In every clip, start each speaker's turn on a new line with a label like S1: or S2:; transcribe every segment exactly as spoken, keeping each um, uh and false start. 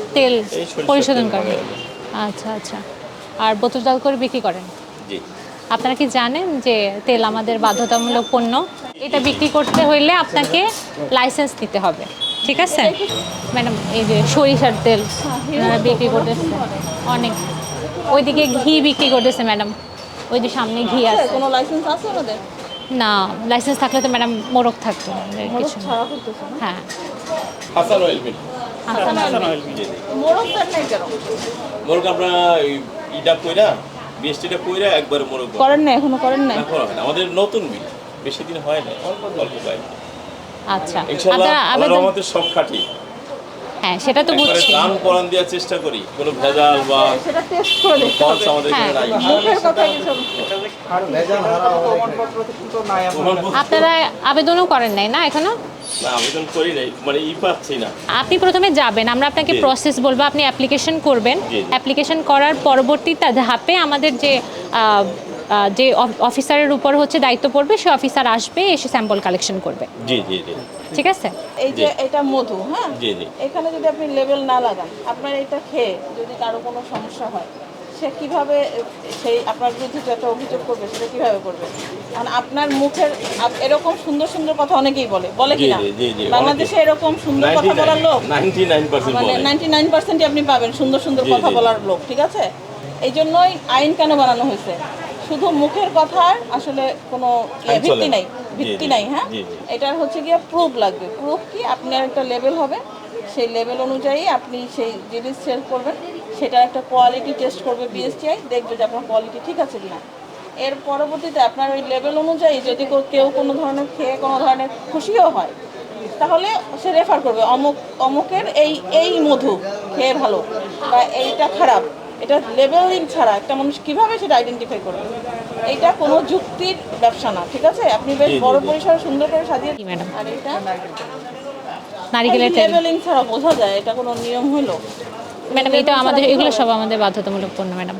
S1: তেল পরিশোধন করেন? আচ্ছা আচ্ছা। আর বোতলজাত করে বিক্রি করেন?
S2: জি।
S1: আপনারা কি জানেন যে তেল আমাদের বাধ্যতামূলক পণ্য? এটা বিক্রি করতে হইলে আপনাকে লাইসেন্স নিতে হবে, ঠিক আছে ম্যাডাম? এই যে সরিষার তেল ওনারা বিক্রি করতেছে অনেক, ওইদিকে ঘি বিক্রি করতেছে ম্যাডাম, ওই যে সামনে ঘি আছে।
S3: কোনো লাইসেন্স আছে আমাদের?
S1: না, লাইসেন্স থাকলে তো ম্যাডাম মোড়ক থাকতো, কিছু না।
S3: ছাড়া করতেছে না?
S1: হ্যাঁ,
S2: হাসান অয়েল মিল।
S1: হাসান আলী।
S3: মোড়ক দেন নাই কেন?
S2: মোরগ আমরা ইটা কইরা বিএসটিটা কইরা একবার মোরগ
S3: করেন না, এখনো করেন না?
S2: না করা হয় না। আমাদের নতুন মিল, বেশি দিন হয় না, অল্প অল্প পাই।
S1: আচ্ছা,
S2: ইনশাআল্লাহ
S1: আপনারা
S2: আল্লাহর
S1: আবেদন,
S2: রহমতে সব খাঁটি।
S1: হ্যাঁ সেটা তো
S2: একবারে
S1: বুঝছি।
S2: দান পরান দেওয়ার চেষ্টা করি, কোনো ভেজাল বা
S3: সেটা টেস্ট করে দেখতে
S2: ফলস
S3: হবে।
S2: আমাদের এখানে নাই।
S3: মুখের কথা কিছু
S1: আপনারা আবেদনও করেন নাই না এখনো?
S2: না, আবেদন করি নাই, মানে ই পাচ্ছি না।
S1: আপনি প্রথমে যাবেন, আমরা আপনাকে
S2: জি।
S1: প্রসেস বলবো, আপনি অ্যাপ্লিকেশন করবেন।
S2: জি, জি।
S1: অ্যাপ্লিকেশন করার পরবর্তীতে ধাপে আমাদের যে আহ, আহ, যে অফিসারের উপর হচ্ছে দায়িত্ব পড়বে, সে অফিসার আসবে, এসে স্যাম্পল কালেকশন করবে,
S2: জি জি জি
S1: ঠিক আছে?
S3: এই যে
S2: জি।
S3: এটা মধু, হ্যাঁ,
S2: জি জি
S3: এখানে যদি আপনি লেবেল না লাগান, আপনার এটা খেয়ে যদি কারো কোনো সমস্যা হয়, সে কিভাবে সেই আপনার বিরুদ্ধে যে একটা অভিযোগ করবে, সেটা কিভাবে করবে? কারণ আপনার মুখের আপ- এরকম সুন্দর সুন্দর কথা অনেকেই বলে, বলে
S2: জি,
S3: কিনা?
S2: জি, জি, জি,
S3: বাংলাদেশে এরকম সুন্দর কথা বলার লোক
S2: নাইনটি নাইন পার্সেন্ট
S3: মানে
S2: বলে।
S3: নাইনটি নাইন পার্সেন্টই আপনি পাবেন সুন্দর সুন্দর
S2: জি,
S3: কথা
S2: জি।
S3: বলার লোক, ঠিক আছে? এই জন্যই আইন কেন বানানো হয়েছে? শুধু মুখের কথার আসলে কোনো ইয়ে,
S2: আইন চলে
S3: ভিত্তি
S2: না।
S3: নাই,
S2: জি,
S3: ভিত্তি
S2: জি,
S3: নাই, হ্যাঁ।
S2: জি, জি।
S3: এটার হচ্ছে গিয়ে প্রুফ লাগবে। প্রুফ কি? আপনার একটা লেভেল হবে, সেই লেভেল অনুযায়ী আপনি সেই জিনিস সেল করবেন, সেটার একটা কোয়ালিটি টেস্ট করবে বিএসটিআই, দেখবে যে আপনার কোয়ালিটি ঠিক আছে কিনা। এর পরবর্তীতে আপনার ওই লেভেল অনুযায়ী যদি কেউ- কেউ কোনো ধরনের খেয়ে কোনো ধরনের খুশিও হয়, তাহলে সে রেফার করবে অমুক অমুকের এই এই মধু খেয়ে ভালো বা এইটা খারাপ। এটা লেবেলিং ছাড়া একটা মানুষ কিভাবে সেটা আইডেন্টিফাই করবে? এইটা কোনো যুক্তির ব্যবসা না, ঠিক আছে? আপনি বেশ
S2: জি, জি,
S3: বড়
S2: জি।
S3: পরিসরে সুন্দর করে সাজিয়ে,
S1: জি, ম্যাডাম।
S3: আর এটা
S1: নারিকেলের তেল
S3: লেবেলিং ছাড়া বোঝা যায় এটা কোনো নিয়ম হলো?
S1: ম্যাডাম, এটা আমাদের, এগুলো সব আমাদের বাধ্যতামূলক পণ্য ম্যাডাম।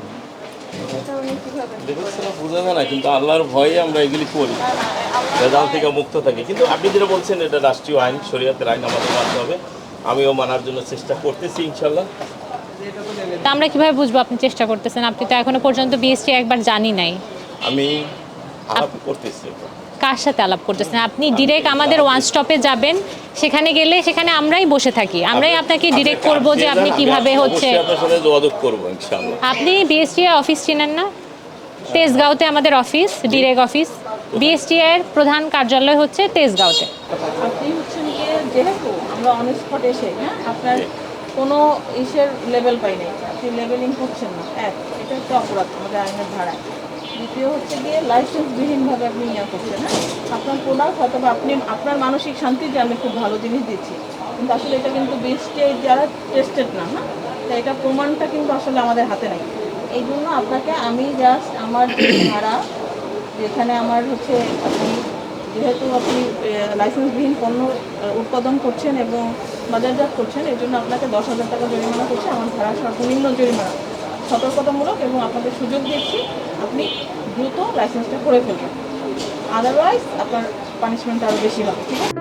S2: দেখুন সেটা বোঝা যায় না, কিন্তু আল্লাহর ভয়ে আমরা এগুলি করি, ভেজাল থেকে মুক্ত থাকি। কিন্তু আপনি যেটা বলছেন, এটা রাষ্ট্রীয় আইন, শরীয়তের আইন, আমাদের মানতে হবে। আমিও মানার জন্য চেষ্টা করতেছি ইনশাল্লাহ।
S1: তা আমরা কিভাবে বুঝবো আপনি চেষ্টা করতেছেন? আপনি তো এখনো পর্যন্ত বিএসটি একবার জানি নাই।
S2: আমি আলাপ করতেছি।
S1: কার সাথে আলাপ করতেছেন? আপনি ডিরেক্ট আমাদের ওয়ান স্টপে যাবেন, সেখানে গেলে সেখানে আমরাই বসে থাকি, আমরাই আপনাকে ডিরেক্ট করব যে আপনি কিভাবে হচ্ছে।
S2: অবশ্যই আপনার সাথে যোগাযোগ করবো ইনশাআল্লাহ।
S1: আপনি বিএসটি অফিস চিনেন না? তেজগাঁওতে আমাদের অফিস, ডিরেক্ট অফিস। বিএসটি এর প্রধান কার্যালয় হচ্ছে তেজগাঁওতে।
S3: আপনি হচ্ছেন গিয়ে, যেহেতু আমরা অন স্পট এসে, হ্যাঁ, আপনার কোনো ইসের লেভেল পাই নাই, আপনি লেভেলিং করছেন না, এক, এটা একটা অপরাধ আমাদের আইনের ধারায়। দ্বিতীয় হচ্ছে গিয়ে লাইসেন্সবিহীনভাবে আপনি ইয়ে করছেন, হ্যাঁ। আপনার প্রোডাক্ট হয়তো বা আপনি আপনার মানসিক শান্তি যে আমি খুব ভালো জিনিস দিচ্ছি, কিন্তু আসলে এটা কিন্তু বিএসটি যারা টেস্টেড না, হ্যাঁ, তো এটা প্রমাণটা কিন্তু আসলে আমাদের হাতে নেই। এই জন্য আপনাকে আমি জাস্ট আমার যে ধারা, যেখানে আমার হচ্ছে আপনি যেহেতু আপনি লাইসেন্সবিহীন পণ্য আহ, উৎপাদন করছেন এবং বাজারজাত করছেন, এই জন্য আপনাকে দশ হাজার টাকা জরিমানা করছে, আমার ধারা সর্বনিম্ন জরিমানা, সতর্কতামূলক, এবং আপনাদের সুযোগ দিচ্ছি আপনি দ্রুত লাইসেন্সটা করে ফেলবেন, আদারওয়াইজ আপনার পানিশমেন্ট আরও বেশি হবে, ঠিক আছে?